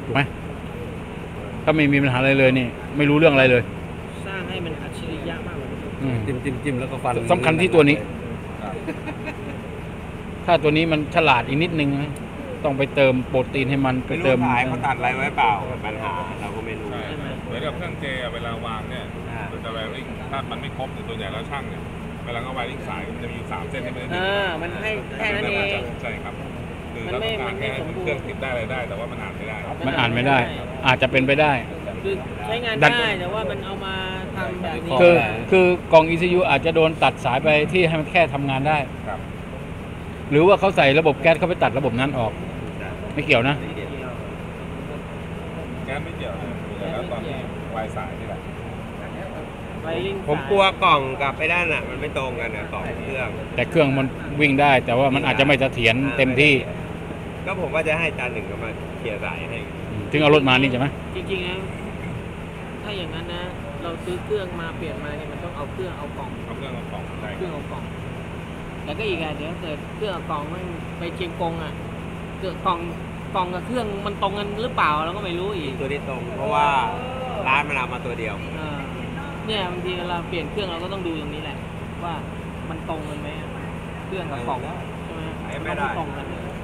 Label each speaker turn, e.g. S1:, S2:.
S1: ถูกไหมถ้าไม่มีปัญหาอะไรเลยนี่ไม่รู้เรื่องอะไรเลย
S2: สร้างให้มันอัจฉริยะมากกว่านี้
S3: จิ้มแล้วก็ฟัน
S1: สำคัญที่ตัวนี้ ถ้าตัวนี้มันฉลาดอีกนิดนึงนะต้องไปเติมโปรตีนให้มันไป
S3: ไม่รู้
S1: เติม
S3: ขายเขาตัดอะไรไว้เปล่าปัญหาเราก็ไม่รู้
S4: ใช่เหมือนกับเครื่องเจเวลาวางเนี่ย
S3: อ่า
S4: มันจะแวริ่งถ้ามันไม่ครบตัวใหญ่แล้วช่างเนี่ยเวลาเขาแวริ่งสายมันจะมีอยู่3 เส้นที่ไม่ได้ดึง
S2: มันให้แค่นั้นเอง
S4: ใช่ครับคือ
S2: มัน
S4: เรา
S2: ไม่
S4: ต้องการแค่
S2: มันไม่สมบูรณ์
S4: เครื่องติดได้อะไรได้ แต่ว่ามันอ่านไม่ได้
S1: มันอ่านไม่ได้ อาจจะเป็นไปได้
S2: คือใช้งาน
S1: ดัน
S2: ได้แต่ว่ามันเอามาทำแบบนี้
S1: คือกล่อง ECU อาจจะโดนตัดสายไปที่ให้มันแค่ทำงานได้
S4: ครับ
S1: หรือว่าเขาใส่ระบบแก๊สเข้าไปตัดระบบนั้นออก ไม่เกี่ยวนะ
S4: แก๊สไม่เกี่ยวเลยแล้วตอนที่วายสายนี่แหละ
S2: ไวริ่ง
S3: ผมกลัวกล่องกับไอ้ด้านอ่ะมันไม่ตรงกันอ่ะกล่องเครื่อง
S1: แต่เครื่องมันวิ่งได้ แต่ว่ามันอาจจะไม่เสถียรเต็มที่
S3: ก็ผมว่าจะให้จานหนึ่งก็มาเคลียร์สายให้
S1: ถึงเอารถมานี่ใช่ไหม
S2: จริงๆนะถ้าอย่างนั้นนะ เราซื้อเครื่องมาเปลี่ยนมาเนี่ยมันต้องเอาเครื่องเอากล่อง
S4: เอาเครื่องเอาของใช่
S2: เครื่องเอากล่องแล้วก็อีกอ่ะเดี๋ยวเกิดเครื่องเอากล่องมันไปเชียงกงอ่ะเกิดกล่องกับเครื่องมันตรงกันหรือเปล่าเราก็ไม่รู้อีก
S3: ตัวนี้ตรง เพราะว่าร้านมันเอามาตัวเดียว
S2: เออเนี่ยบางทีเวลาเปลี่ยนเครื่องเราก็ต้องดูตรงนี้แหละ ว่ามันตรงกันไหมอะเครื่องกับกล่องใช่ไหม
S3: ไม่ได้
S2: ตรงกัน